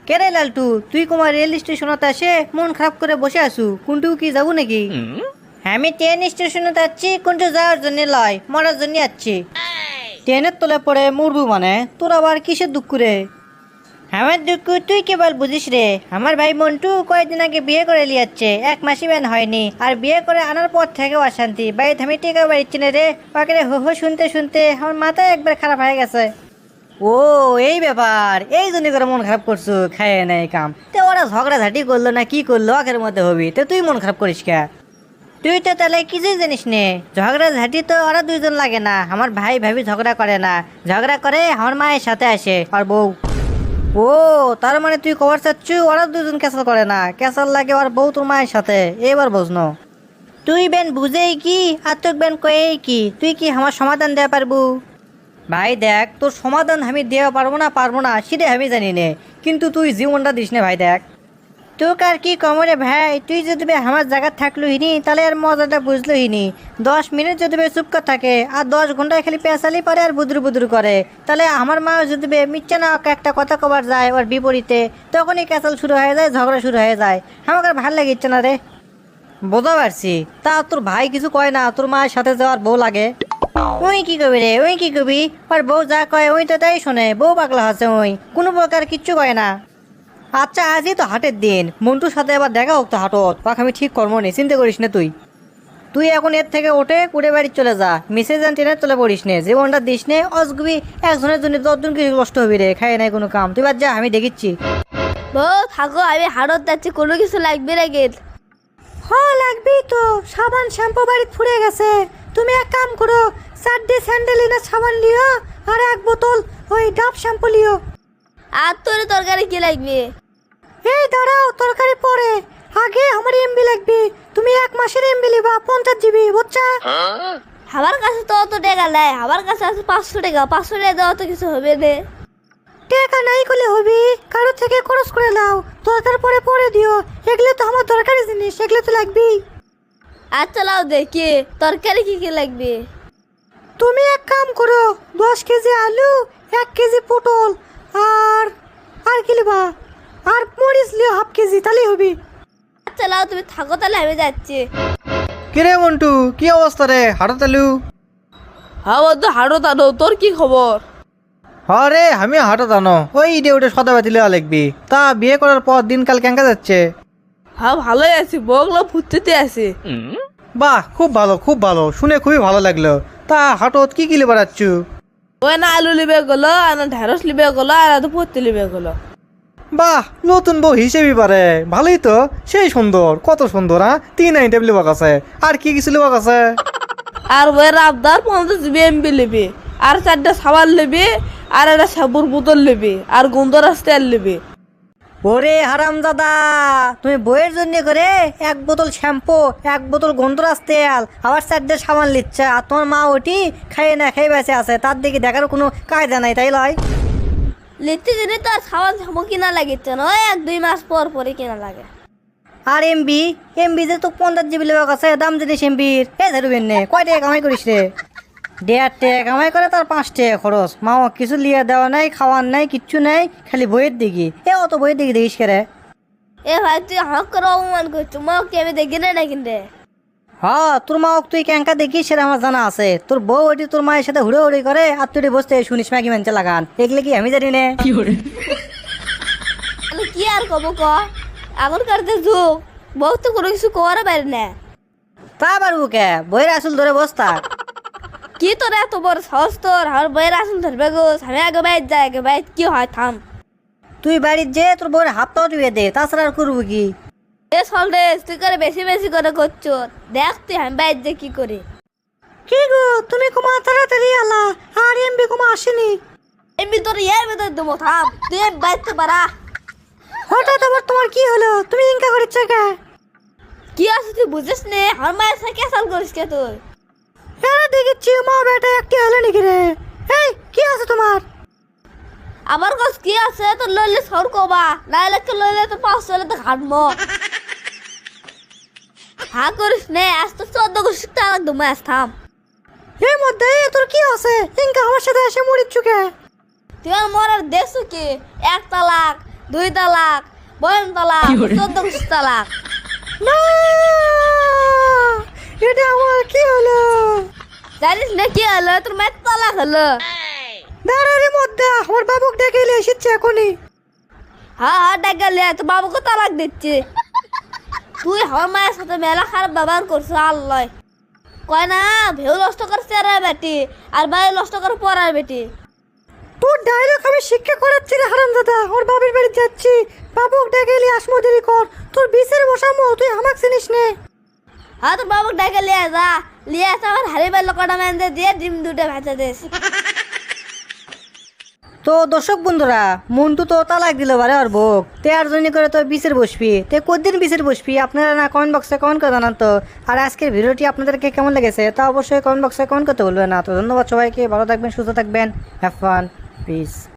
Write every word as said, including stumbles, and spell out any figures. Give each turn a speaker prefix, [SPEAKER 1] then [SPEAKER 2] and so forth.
[SPEAKER 1] কেরে লালটু, তুই কুমার রেল স্টেশনত আসে মন খারাপ করে বসে আসু, কোনটু কি যাবো নাকি? আমি ট্রেন স্টেশনে যাচ্ছি, কোনটু যাওয়ার জন্য লয়, মরার জন্য যাচ্ছি। ট্রেনের তলে পড়ে মরবু মানে? তোর আবার কিসের দুঃখ রে? আমার দুঃখ তুই কেবল বুঝিস রে। আমার ভাই মন্টু কয়েকদিন আগে বিয়ে করে লিয়াচ্ছে, এক মাসি ব্যান হয়নি, আর বিয়ে করে আনার পর থেকেও অশান্তি। বাড়িতে আমি টেকা বাড়িচ্ছি না রে, ওকে হো হো শুনতে শুনতে আমার মাথা একবার খারাপ হয়ে গেছে। ও এই ব্যাপার, এই জন্য করে মন খারাপ করছো? খায় নাই কাম তো ওরা ঝগড়াঝাটি করলো না কি করলো, আখের মধ্যে হবি তো তুই মন খারাপ করিস কে? তুই তো তাহলে কিছুই জানিস নে, ঝগড়াঝাটি তো ওরা দুইজন লাগে না। আমার ভাই ভাবি ঝগড়া করে না, ঝগড়া করে আমার মায়ের সাথে আসে আর বউ। ও তার মানে তুই কবার চাচ্ছু ওরা দুজন ক্যাসাল করে না, ক্যাসাল লাগে আর বউ তোর মায়ের সাথে? এবার বুঝনো তুই বেন বুঝেই কি আর তোর বেন কয়েই কি, তুই কি আমার সমাধান দেওয়া পারবু? ভাই দেখ, তোর সমাধান আমি দেওয়া পারবো না পারবো না সেটা আমি জানি নে, কিন্তু তুই জীবনটা দিস না ভাই। দেখ তোকে আর কি কমরে ভাই, তুই যদি আমার জায়গা থাকলো হিনি তাহলে আর মজাটা বুঝলো হিনি। দশ মিনিট যদি চুপ করে থাকে আর দশ ঘন্টায় খালি পেঁচালি পারে আর বুদুর বুদুর করে, তাহলে আমার মা যদি মিথ্যা না একটা কথা কবার যায় ওর বিপরীতে, তখনই ক্যাচাল শুরু হয়ে যায়, ঝগড়া শুরু হয়ে যায়। আমাকে আর ভাল লাগিচ্ছে না রে। বোঝা পারছি, তা তোর ভাই কিছু কয় না? তোর মায়ের সাথে যাওয়ার বউ লাগে, ওই কি কবি রে, ওই কি কবি? আর বউ যা কয় ওই তো তাই শোনে, বউ পাগলা আছে, ওই কোনো প্রকার কিচ্ছু কয় না। আচ্ছা আজই তো হাটের দিন, মন্টুর সাথে আবার দেখা হোক তো হাটত, পাক আমি ঠিক কর্ম নেই, চিন্তা করিস না তুই। তুই এখন এর থেকে ওঠে কুড়ে বাড়ি চলে যা, মিসেজ অ্যান্ড ট্রেনে চলে পড়িস নে, জীবনটা দিস নে অসগুবি। একজনের জন্য দশজন কিছু কষ্ট হবি রে, খাই নাই কোনো কাম। তুই বাদ যা, আমি দেখিচ্ছি।
[SPEAKER 2] বউ থাকো, আমি হাটত যাচ্ছি, কোনো কিছু লাগবে না গেল?
[SPEAKER 1] হ্যাঁ লাগবি তো, সাবান শ্যাম্পু বাড়িতে ফুরে গেছে। তুমি এক কাম করো, চারটে স্যান্ডেলিনা সাবান লিও আর এক বোতল ওই ডাব শ্যাম্পু লিও।
[SPEAKER 2] আর তোর তরকারি কি লাগবে?
[SPEAKER 1] এই দাঁড়াও, তরকারি পরে, আগে আমার এমবি লাগবে। তুমি এক মাসের এমবি লিবা, পঞ্চাশ জিবি, বুঝছা?
[SPEAKER 2] আমার কাছে তো অত টাকা নাই, আমার কাছে আছে পাঁচশো টাকা। পাঁচশো টাকা দেওয়া তো কিছু হবে না।
[SPEAKER 1] টাকা নাই করলে হবি, কারোর থেকে খরচ করে দাও, দরকার পরে পরে দিও। এগুলো তো আমার দরকারি জিনিস, এগুলো তো লাগবেই।
[SPEAKER 2] আচ্ছা লাও দেখি তরকারি কি কি লাগবে।
[SPEAKER 1] তুমি এক কাম করো, দশ কেজি আলু, এক কেজি পটল, আর আর কি লিবা, আর মরিচ লিও হাফ কেজি, তাহলেই হবি।
[SPEAKER 2] আচ্ছা লাও তুমি থাকো, তাহলে আমি যাচ্ছি।
[SPEAKER 3] কিরে মন্টু, কি অবস্থা রে? হাটত এলু?
[SPEAKER 4] হ্যাঁ বন্ধু, হাটত আনো। তোর কি খবর?
[SPEAKER 3] হ্যাঁ রে, আমি হাটত আনো, ওই ইডে উঠে সদাবাতি লেওয়া লাগবি। তা বিয়ে করার পর দিনকাল কেঙ্কা যাচ্ছে?
[SPEAKER 4] হ্যাঁ ভালোই আছি, বউগুলো ফুটতে আছি।
[SPEAKER 3] বাহ, খুব ভালো খুব ভালো, শুনে খুবই ভালো লাগলো। তা হাটত কি কি লিবার আচ্ছু?
[SPEAKER 4] ওই না আলু লিবে গেলো, আর না ঢেঁড়স লিবে গেলো, আর তো পড়তে লিবে গেলো।
[SPEAKER 3] বাহ, নতুন বউ হিসেবে পারে, ভালোই তো। সেই সুন্দর, কত সুন্দর। হ্যাঁ, তিন আইটেম লিবাক আছে, আর কি কিছু লিবাক আছে?
[SPEAKER 4] আর বইয়ের আবদার পঞ্চাশ জিবি এমবি লিবি, আর চারটা সাবান লিবি, আর একটা সাবুর বোতল লিবি, আর গন্ধরাজ তেল লিবি।
[SPEAKER 1] ওরে হারামজাদা, তুমি বইয়ের জন্য করে এক বোতল শ্যাম্পু, এক বোতল গন্ধরাজ তেল, আবার চারটে সাবান লিচ্ছে, আর তোমার মা ওটি খাইয়ে না খাই বেঁচে আছে, তার দিকে দেখার কোনো কায়দা নাই, তাই লয়?
[SPEAKER 2] লিখতে দিনে তো আর সাবান সাবু কিনা লাগিচ্ছে না, ওই এক দুই মাস পর পরে কিনা লাগে।
[SPEAKER 1] আর এমবি, এমবি যে তো পঞ্চাশ জিবি লেবার কাছে দাম জিনিস এমবির, এ ধরবেন নে, কয় টাকা কামাই করিস রে? দেড় টাকা কামাই করে, তার পাঁচ টাকা খরচ। মা কিছু লিয়ে দেওয়া নাই, খাওয়ার নাই, কিচ্ছু নাই, খালি বইয়ের দিকে। এ অত বইয়ের দিকে দেখিস কে রে?
[SPEAKER 2] এ ভাই তুই হাঁক করে অপমান করছো, মাকে আমি দেখি না না কিনতে।
[SPEAKER 1] হ্যাঁ, তোর মা তুই ক্যাঙ্কা দেখিস সেটা আমার জানা আছে। তোর বউ ওটি তোর মায়ের সাথে হুড়ে হুড়ি করে, আর তুই বসতে শুনিস ম্যাগি মানছে লাগান, এগুলো কি আমি জানি না?
[SPEAKER 2] তাহলে কি আর কব ক, এখনকার যে যুগ, বউ তো কোনো কিছু করার পারে না।
[SPEAKER 1] তা পারবো কে, বইয়ের আসল ধরে বসতা।
[SPEAKER 2] কি তোর এত বড় সাহস তোর, আমার বইয়ের আসল ধরবে গো? আমি আগে বাইর যাই, আগে বাইর কি হয় থাম।
[SPEAKER 1] তুই বাড়ির যে তোর বউয়ের হাতটাও টিপে দে, তাছাড়া আর করবো কি?
[SPEAKER 2] এ সলরে তুই করে বেশি বেশি করে করছো, দেখ তুই আমি বাইর যে কি করি।
[SPEAKER 1] কি গো, তুমি কুমা তাড়াতাড়ি আলা, আর এমবি কুমা আসেনি।
[SPEAKER 2] এমনি তোর ইয়ার ভেতর দেবো, থাম তুই বাইরতে পারা।
[SPEAKER 1] হঠাৎ আবার তোমার কি হলো? তুমি ইনকা করিচ্ছ কে?
[SPEAKER 2] কি আছে তুই বুঝিস নে, আমার মায়ের সাথে ক্যাসাল করিস কে তুই?
[SPEAKER 1] এরা দেখেছি মা বেটা একটি হলো নাকি রে? এই কি আছে তোমার?
[SPEAKER 2] আমার কাছে কি আছে তোর? লইলে সর কবা, না এলাকে লইলে তো পাঁচশো হলে তো ঘাটবো। হা করিস নে, আজ তো চোদ্দ গোষ্ঠী তালাক দু মাস, থাম।
[SPEAKER 1] এর মধ্যে তোর কি আছে? ইনকা আমার সাথে এসে মরিচ্ছ কে?
[SPEAKER 2] তুই আর মরার দেখছো কি? এক তালাক, দুই তালাক, বয়ন তালাক, চোদ্দ গোষ্ঠী তালাক।
[SPEAKER 1] না এটা আমার কি হলো?
[SPEAKER 2] জানিস না কি হলো? তোর মায়ের তালাক হলো।
[SPEAKER 1] দাঁড়ারে মধ্যে আমার বাবুক ডেকে এলে এসেছে এখনই।
[SPEAKER 2] হ্যাঁ হ্যাঁ ডাকালে তো বাবুকে তালাক দিচ্ছে। তুই আমার মায়ের সাথে মেলা খারাপ ব্যবহার করছো আল্লাহ। কয় না ভেউ নষ্ট করছে আর বেটি, আর ভাই নষ্ট করে পড়ার বেটি।
[SPEAKER 1] তোর ডায়লগ আমি শিক্ষা করাচ্ছি রে হারামজাদা। ওর বাবার বাড়ি যাচ্ছি, বাবুক ডেকে এলে আসমো দেরি কর। তোর বিশের বসামো, তুই আমাক চিনিস নে।
[SPEAKER 2] হ্যাঁ তোর বাবুকে ডাকে লিয়ে যা, লিয়ে আসে আমার হাড়ি বাইল কটা মেন্দে দিয়ে ডিম দুটো ভেজে দিস।
[SPEAKER 1] তো দর্শক বন্ধুরা, মন্টু তো তালাক দিল বারে আর বউক, তে আর জন্য করে তো বিচের বসবি। তে কদিন বিচের বসবি আপনারা না কমেন্ট বক্সে কমেন্ট করে জানান তো। আর আজকের ভিডিওটি আপনাদেরকে কেমন লেগেছে তা অবশ্যই কমেন্ট বক্সে কমেন্ট করতে বলবেন না। তো ধন্যবাদ সবাইকে, ভালো থাকবেন, সুস্থ থাকবেন, হ্যাভ ফান, পিস।